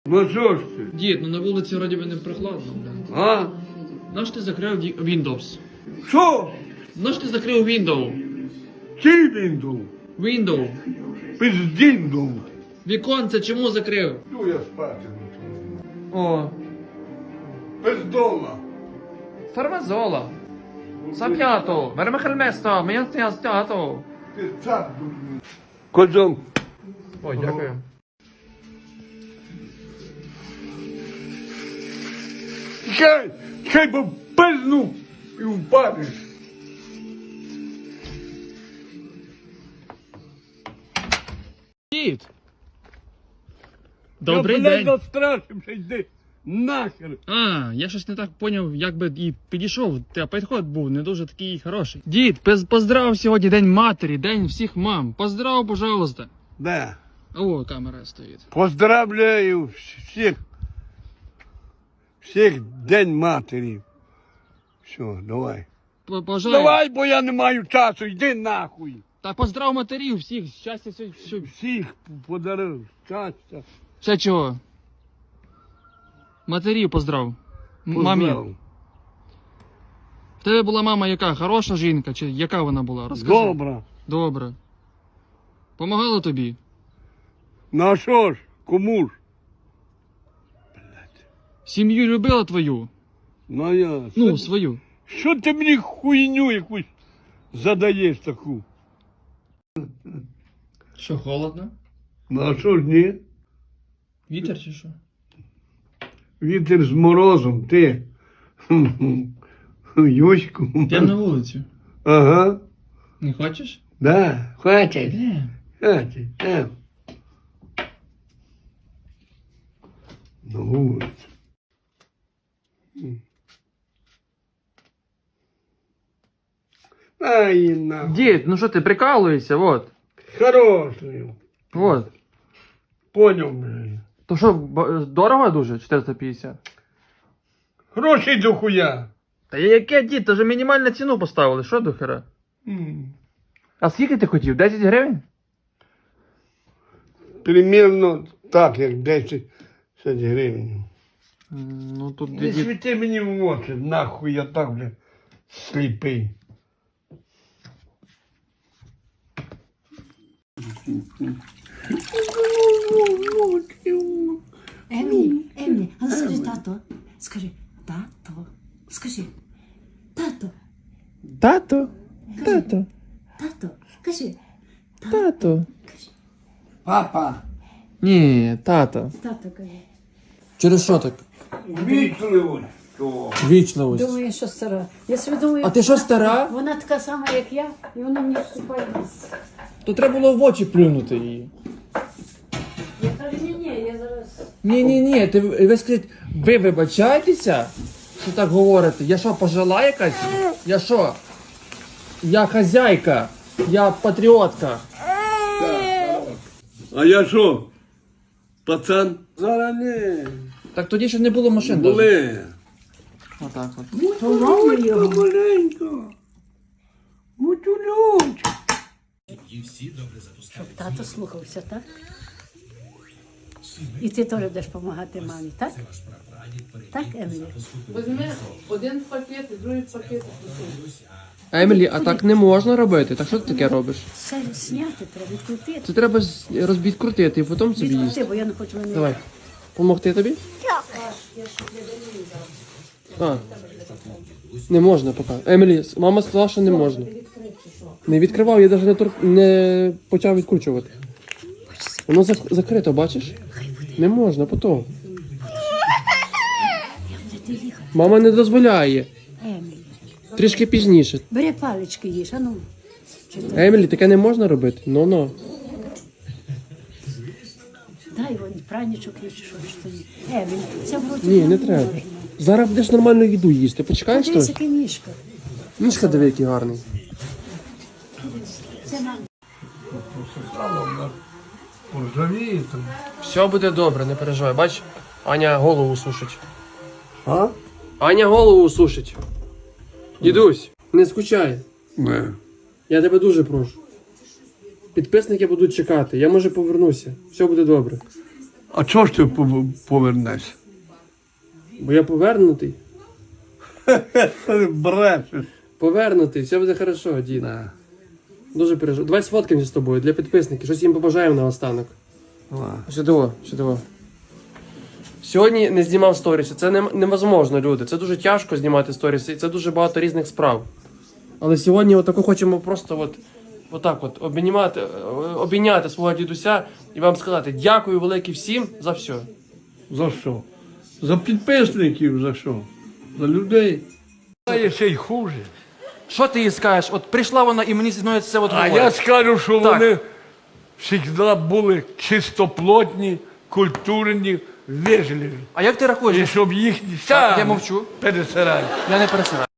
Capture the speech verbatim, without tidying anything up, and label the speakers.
Speaker 1: Ну що ж ти?
Speaker 2: Дід, ну на вулиці вроді би не прохладно, бля.
Speaker 1: А?
Speaker 2: Наш ти закрив ді- Windows?
Speaker 1: Що?
Speaker 2: Наш ти закрив Windows?
Speaker 1: Чий він дув?
Speaker 2: Windows.
Speaker 1: Пиздін дув.
Speaker 2: Віконце чому закрив?
Speaker 1: Ну я спати не чую.
Speaker 2: О,
Speaker 1: Пиздола.
Speaker 2: фармазола. Сап'ято, вермехельместо, м'ясто.
Speaker 1: Ти цар дурний. Козом.
Speaker 2: Ой, дякую.
Speaker 1: Чай, чай бо пизну і впадеш.
Speaker 2: Дід. Добрий
Speaker 1: я,
Speaker 2: день.
Speaker 1: Я настрашився, йди нахер.
Speaker 2: А, я щось не так поняв, як би і підійшов, та підход був не дуже такий хороший. Дід, пиз- поздрав сьогодні День матері, День всіх мам. Поздрав, пожалуйста.
Speaker 1: Да.
Speaker 2: О, камера стоїть.
Speaker 1: Поздравляю всіх. Всіх День матері. Все, давай.
Speaker 2: П- Пожалуйста.
Speaker 1: Давай, бо я не маю часу, йди нахуй.
Speaker 2: Та поздрав матерів всіх, щастя, все, все.
Speaker 1: Всіх подарив, щастя.
Speaker 2: Ще чого? Матерів поздрав. М- Мамі.
Speaker 1: Поздрав.
Speaker 2: В тебе була мама яка? Хороша жінка? Чи яка вона була? Розкажи.
Speaker 1: Добре.
Speaker 2: Добре. Помагала тобі?
Speaker 1: Ну а що ж, кому ж?
Speaker 2: Сім'ю любила твою?
Speaker 1: Ну я.
Speaker 2: Ну,
Speaker 1: що,
Speaker 2: свою.
Speaker 1: що ти мені хуйню якусь задаєш таку?
Speaker 2: Що, холодно?
Speaker 1: Ну а що ж ні?
Speaker 2: Вітер чи що?
Speaker 1: Вітер з морозом, ти. Юську.
Speaker 2: Йдемо на вулицю.
Speaker 1: Ага.
Speaker 2: Не хочеш?
Speaker 1: Да, хватить.
Speaker 2: Де?
Speaker 1: Хватить, да. На вулицю. Ай, нахуй.
Speaker 2: Дід, ну що ти прикалуєшся, вот.
Speaker 1: Хороший.
Speaker 2: Вот.
Speaker 1: Понял, блядь.
Speaker 2: То що, б- дорого дуже? чотириста п'ятдесят?
Speaker 1: Гроші до хуя.
Speaker 2: Та яке, дід, то вже мінімальну ціну поставили, що до хера?
Speaker 1: М.
Speaker 2: А скільки ти хотів? десять гривень?
Speaker 1: Примерно так, як десять гривень.
Speaker 2: Ну тут
Speaker 1: Не
Speaker 2: дід.
Speaker 1: світи мені в очі, нахуй я так, бля, сліпий.
Speaker 3: Емілі, Емілі, а ну скажи тато. Скажи, тато. Скажи, тато,
Speaker 2: Тато, тато,
Speaker 3: тато. Кажи,
Speaker 2: тато.
Speaker 1: Папа,
Speaker 2: Ні, тато.
Speaker 3: тато кажи.
Speaker 2: Через що так?
Speaker 1: вічливо. Що?
Speaker 2: Вічливость.
Speaker 3: Думаю, що стара. Я собі думаю,
Speaker 2: А ти що, стара?
Speaker 3: вона така сама, як я, і вона мені вступає в ліс.
Speaker 2: То треба було в очі плюнути її.
Speaker 3: Я кажу, ні, ні, я зараз.
Speaker 2: Ні, ні, ні, ти ви скажіть, ви вибачаєтеся, що так говорите? Я що, пожила якась? Я що? Я хазяйка, я патріотка.
Speaker 1: А я що? Пацан? Зараз не.
Speaker 2: Так тоді ще не було машин. даже.
Speaker 1: Були.
Speaker 2: Отак от.
Speaker 1: Маленько, маленько. Гутюлючка.
Speaker 3: Щоб тато слухався, так? І ти теж будеш допомагати мамі, так? Так, Емілі?
Speaker 2: Візьми один пакет і другий пакет. Емілі, а так не можна робити. Так що ти таке робиш?
Speaker 3: Це зняти треба, відкрутити.
Speaker 2: Це треба з- розбідкрутити і потім собі
Speaker 3: Відкрути,
Speaker 2: їсти.
Speaker 3: бо я не хочу мене.
Speaker 2: Давай. Помогти тобі? А. Не можна поки. Емілі, мама сказала, що не можна. Не відкривав, я навіть не, тур... не почав відкручувати. Воно зак- закрито, бачиш? Не можна, потім. Мама не дозволяє.
Speaker 3: Емілі,
Speaker 2: Трішки пізніше.
Speaker 3: бери палички їж, а ну. Чи то-
Speaker 2: Емілі, таке не можна робити? Ну-ну.
Speaker 3: Дай вон пранічок їж, що ж тобі. Емілі, це вроді
Speaker 2: Ні, не треба. Зараз будеш нормальну їду їсти. Почекаєш
Speaker 3: Подивися,
Speaker 2: то?
Speaker 3: яка ніжка.
Speaker 2: Ніжка диви, який гарний.
Speaker 3: Це нам.
Speaker 1: Поржавіє там.
Speaker 2: Все буде добре, не переживай. Бач, Аня голову сушить.
Speaker 1: А?
Speaker 2: Аня голову сушить. Дідусь, не скучай.
Speaker 1: Не.
Speaker 2: Я тебе дуже прошу. Підписники будуть чекати. Я може повернуся. Все буде добре.
Speaker 1: А чого ж ти пов- повернешся?
Speaker 2: Бо я повернутий.
Speaker 1: Ти брешеш.
Speaker 2: Повернутий, все буде хорошо, дід. Дуже переживаю. Давай сфоткаємося з тобою для підписників. Щось їм побажаємо на останок. Сюди, сюди. Сьогодні не знімав сторіси. Це не, невозможно, люди. Це дуже тяжко знімати сторіси, і це дуже багато різних справ. Але сьогодні отако хочемо просто от, отак от обійняти, обійняти свого дідуся і вам сказати дякую велике всім за все.
Speaker 1: За що? За підписників за що? За людей. А є ще й хуже.
Speaker 4: Що ти їй скажеш? От прийшла вона і мені зі мною це от
Speaker 1: А
Speaker 4: говорить.
Speaker 1: я скажу, що
Speaker 4: Так.
Speaker 1: вони завжди були чистоплотні, культурні, вежливі.
Speaker 4: А як ти рахуєш?
Speaker 1: І щоб їхні
Speaker 4: Так,
Speaker 1: сам
Speaker 4: я мовчу.
Speaker 1: пересирати.
Speaker 4: Я не пересираю.